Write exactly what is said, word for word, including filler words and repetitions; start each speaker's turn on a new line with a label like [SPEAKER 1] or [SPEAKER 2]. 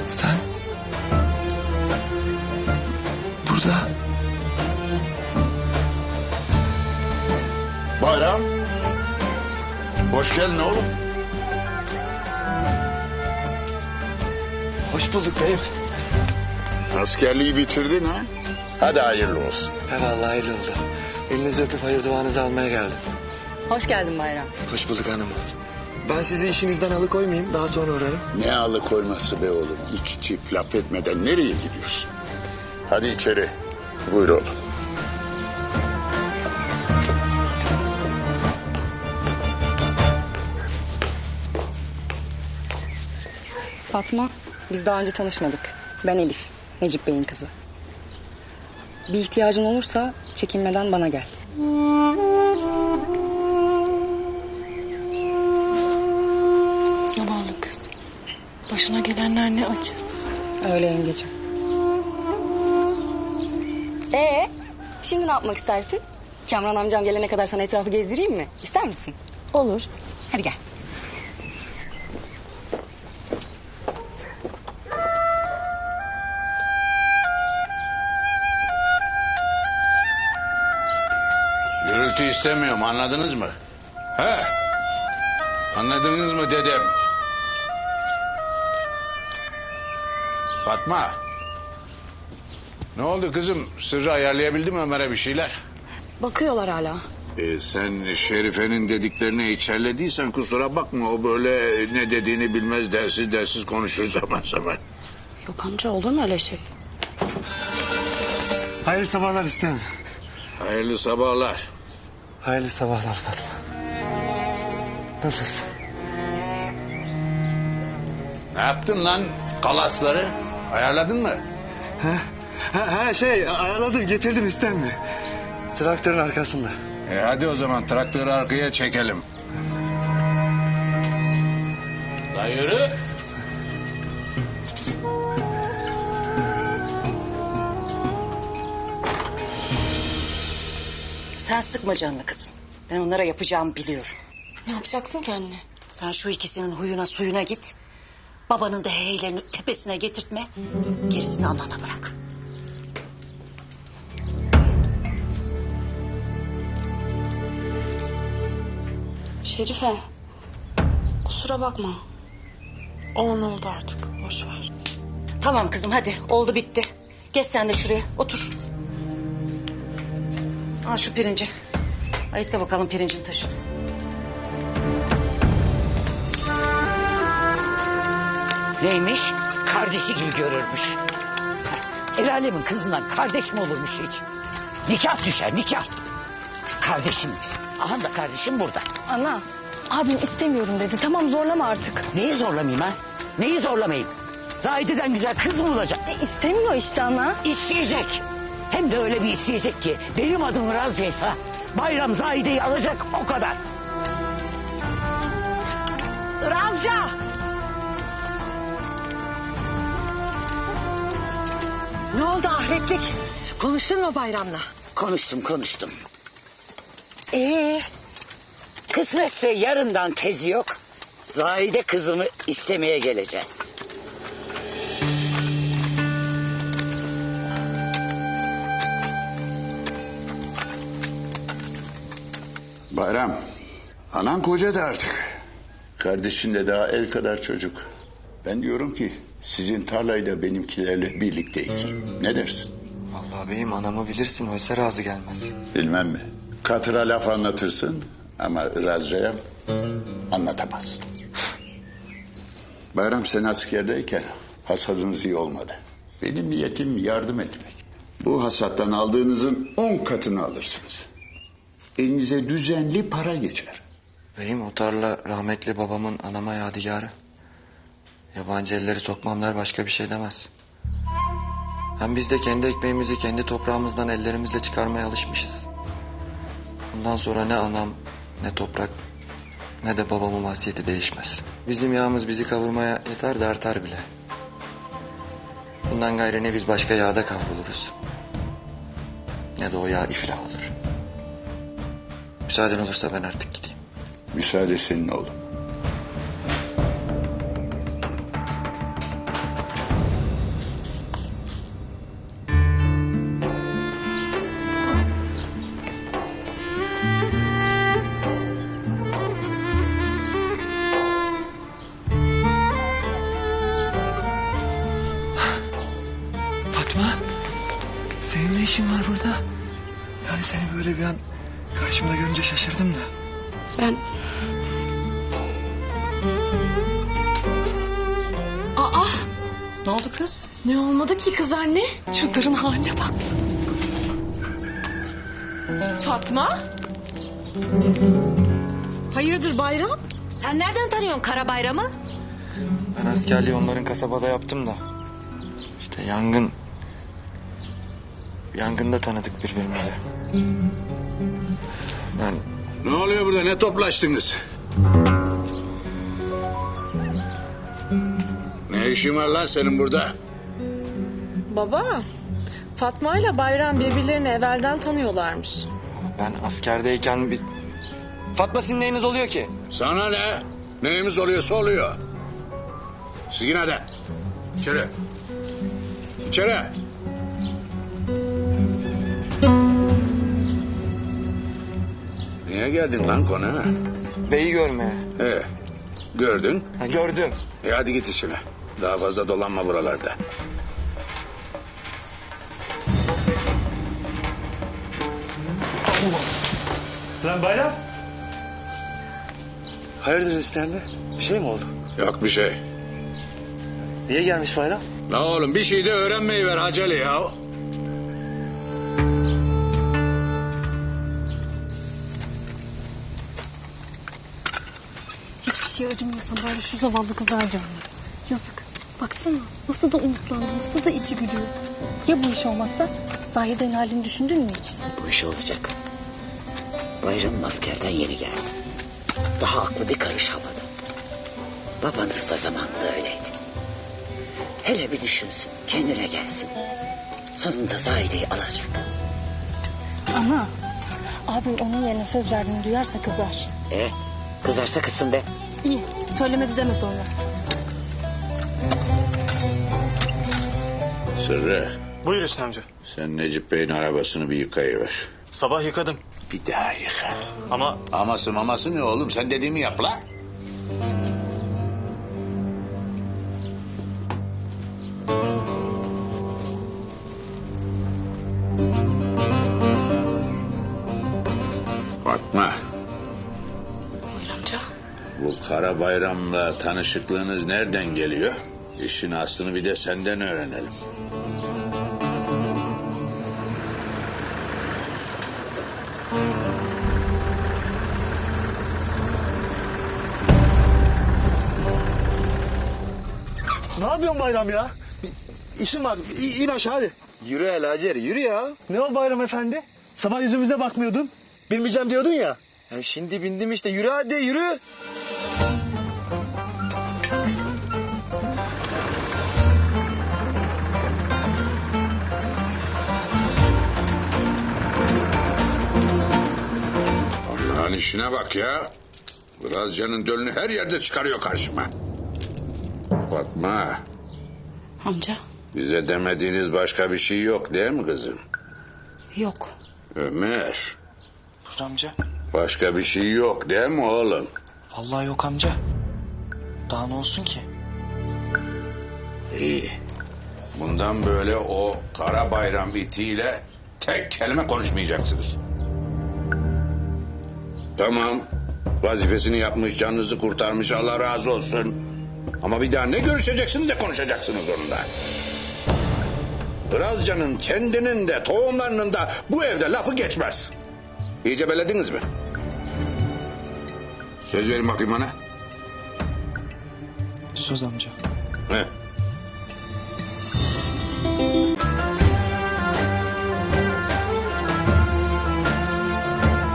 [SPEAKER 1] Sen... Burada...
[SPEAKER 2] Bayram. Hoş geldin oğlum.
[SPEAKER 1] Hoş bulduk beyim.
[SPEAKER 2] Askerliği bitirdin ha? Hadi hayırlı olsun.
[SPEAKER 1] He vallahi hayırlı oldu. Elinizi öpüp hayır duanızı almaya geldim.
[SPEAKER 3] Hoş geldin Bayram.
[SPEAKER 1] Hoş bulduk hanım. Ben sizi işinizden alıkoymayayım, daha sonra uğrarım.
[SPEAKER 2] Ne alıkoyması be oğlum? İki çift laf etmeden nereye gidiyorsun? Hadi içeri. Buyur oğlum.
[SPEAKER 3] Fatma, biz daha önce tanışmadık. Ben Elif, Necip Bey'in kızı. Bir ihtiyacın olursa çekinmeden bana gel.
[SPEAKER 4] Zavallı kız. Başına gelenler ne acı.
[SPEAKER 3] Öyle yengecim. Ee, şimdi ne yapmak istersin? Kamran amcam gelene kadar sana etrafı gezdireyim mi? İster misin? Olur. Hadi gel.
[SPEAKER 5] Gürültü istemiyorum, anladınız mı? He? Anladınız mı dedim? Fatma. Ne oldu kızım? Sırrı ayarlayabildin mi Ömer'e bir şeyler?
[SPEAKER 3] Bakıyorlar hala.
[SPEAKER 5] Ee, sen Şerife'nin dediklerini içerlediysen kusura bakma. O böyle ne dediğini bilmez, dersiz dersiz konuşur zaman zaman.
[SPEAKER 4] Yok amca, olur mu öyle şey?
[SPEAKER 1] Hayırlı sabahlar istem.
[SPEAKER 5] Hayırlı sabahlar.
[SPEAKER 1] Hayırlı sabahlar Fatma. Nasılsın?
[SPEAKER 5] Ne yaptın lan kalasları? Ayarladın mı?
[SPEAKER 1] Ha, ha, ha şey ayarladım, getirdim istem mi? Traktörün arkasında.
[SPEAKER 5] E hadi o zaman traktörü arkaya çekelim. La yürü.
[SPEAKER 6] Sen sıkma canını kızım. Ben onlara yapacağımı biliyorum.
[SPEAKER 4] Ne yapacaksın ki anne?
[SPEAKER 6] Sen şu ikisinin huyuna suyuna git. Babanın da heylerini tepesine getirtme. Gerisini anana bırak.
[SPEAKER 4] Şerife. Kusura bakma. Olan oldu artık. Boş ver.
[SPEAKER 6] Tamam kızım, hadi oldu bitti. Geç sen de şuraya otur. Al şu pirinci. Ayıkla bakalım pirincin taşını.
[SPEAKER 7] Neymiş? Kardeşi gibi görürmüş. El alemin kızından kardeş mi olurmuş hiç? Nikah düşer, nikah. Kardeşimmiş. Aha da kardeşim burada.
[SPEAKER 3] Ana, abim istemiyorum dedi. Tamam, zorlama artık.
[SPEAKER 7] Neyi zorlamayayım ha? Neyi zorlamayayım? Zahide'den güzel kız mı olacak?
[SPEAKER 3] E, istemiyor işte ana.
[SPEAKER 7] İsteyecek. Hem de öyle bir isteyecek ki benim adım Razya'ysa Bayram Zahide'yi alacak, o kadar. Razya!
[SPEAKER 8] Ne oldu ahretlik? Konuştun mu Bayram'la?
[SPEAKER 7] Konuştum konuştum. Ee, kısmetse yarından tezi yok. Zahide kızımı istemeye geleceğiz.
[SPEAKER 2] Bayram. Anan kocadı artık. Kardeşin de daha el kadar çocuk. Ben diyorum ki sizin tarlayı da benimkilerle birlikte ekin. Ne dersin?
[SPEAKER 1] Vallahi beyim, anamı bilirsin, oysa razı gelmez.
[SPEAKER 2] Bilmem mi? Katıra laf anlatırsın ama Razca'ya anlatamazsın. Bayram, sen askerdeyken hasadınız iyi olmadı. Benim niyetim yardım etmek. Bu hasattan aldığınızın on katını alırsınız. Elinize düzenli para geçer.
[SPEAKER 1] Beyim, o tarla rahmetli babamın anama yadigarı. Yabancı elleri sokmam der, başka bir şey demez. Hem biz de kendi ekmeğimizi kendi toprağımızdan ellerimizle çıkarmaya alışmışız. Bundan sonra ne anam, ne toprak, ne de babamın vasiyeti değişmez. Bizim yağımız bizi kavurmaya yeter de artar bile. Bundan gayrı ne biz başka yağda kavruluruz, ne de o yağ iflah olur. Müsaaden olursa ben artık gideyim.
[SPEAKER 2] Müsaade senin oğlum.
[SPEAKER 1] Senin ne işin var burada? Yani seni böyle bir an karşımda görünce şaşırdım da.
[SPEAKER 4] Ben... Aa!
[SPEAKER 6] Ne oldu kız?
[SPEAKER 4] Ne olmadı ki kız anne? Şu darın haline bak. Fatma? Hayırdır Bayram?
[SPEAKER 6] Sen nereden tanıyorsun Kara Bayram'ı?
[SPEAKER 1] Ben askerliği onların kasabada yaptım da. İşte yangın... Yangında tanıdık birbirimizi. Ben
[SPEAKER 5] Ne oluyor burada? Ne toplaştınız? Ne işin var lan senin burada?
[SPEAKER 9] Baba, Fatma ile Bayram birbirlerini evvelden tanıyorlarmış.
[SPEAKER 1] ben askerdeyken bir... Fatma sizin neyiniz oluyor ki?
[SPEAKER 5] Sana ne? Neyimiz oluyorsa oluyor. Siz yine de. İçeri. İçeri. Niye geldin lan konağa?
[SPEAKER 1] Beyi görmeye.
[SPEAKER 5] Ee, gördün.
[SPEAKER 1] Ha, gördüm.
[SPEAKER 5] E hadi git işine. Daha fazla dolanma buralarda.
[SPEAKER 10] Lan Bayram. Hayırdır İstenme? Bir şey mi oldu?
[SPEAKER 5] Yok bir şey.
[SPEAKER 10] Niye gelmiş Bayram?
[SPEAKER 5] La oğlum bir şey de öğrenmeyi ver acele ya.
[SPEAKER 11] Hiçbir şey acımıyorsa bari şu zavallı kıza acıma. Yazık. Baksana nasıl da umutlandı, nasıl da içi gülüyor. Ya bu iş olmazsa Zahide'nin halini düşündün mü hiç?
[SPEAKER 7] Bu iş olacak. Bayramın askerden yeni geldi. Daha aklı bir karış havada. Babanız da zamanında öyleydi. Hele bir düşünsün, kendine gelsin. Sonunda Zahide'yi alacak.
[SPEAKER 11] Ana, abim onun yerine söz verdiğini duyarsa kızar.
[SPEAKER 7] E, kızarsa kızsın be.
[SPEAKER 11] İyi, söylemedi deme sonra.
[SPEAKER 5] Sırrı
[SPEAKER 10] Buyur Hüsnü amca.
[SPEAKER 5] sen Necip Bey'in arabasını bir yıkayıver.
[SPEAKER 10] Sabah yıkadım.
[SPEAKER 5] Bir daha yıka.
[SPEAKER 10] Ama
[SPEAKER 5] Aması maması ne oğlum sen dediğimi yap la. Fatma.
[SPEAKER 4] Buyur amca.
[SPEAKER 5] Bu Kara Bayram'la tanışıklığınız nereden geliyor? İşin aslını bir de senden öğrenelim.
[SPEAKER 10] ne yapıyorsun Bayram ya? Bir İşim var. İ in aşağı hadi.
[SPEAKER 1] Yürü hele Hacer, yürü ya.
[SPEAKER 10] Ne o Bayram efendi? Sabah yüzümüze bakmıyordun. Bilmeyeceğim diyordun ya.
[SPEAKER 1] Ya şimdi bindim işte, yürü hadi, yürü.
[SPEAKER 5] Allah'ın işine bak ya. Biraz canın dölünü her yerde çıkarıyor karşıma. Fatma,
[SPEAKER 4] Amca?
[SPEAKER 5] bize demediğiniz başka bir şey yok değil mi kızım?
[SPEAKER 4] Yok.
[SPEAKER 5] Ömer,
[SPEAKER 10] Buyur amca.
[SPEAKER 5] başka bir şey yok değil mi oğlum?
[SPEAKER 10] Vallahi yok amca. Daha ne olsun ki?
[SPEAKER 5] İyi. Bundan böyle o Kara Bayram itiyle tek kelime konuşmayacaksınız. Tamam. Vazifesini yapmış, canınızı kurtarmış, Allah razı olsun. Ama bir daha ne görüşeceksiniz de konuşacaksınız onunla. Irazcan'ın kendinin de tohumlarının da bu evde lafı geçmez. İyice belediniz mi? Söz verin bakayım bana.
[SPEAKER 10] Söz amca.
[SPEAKER 5] He.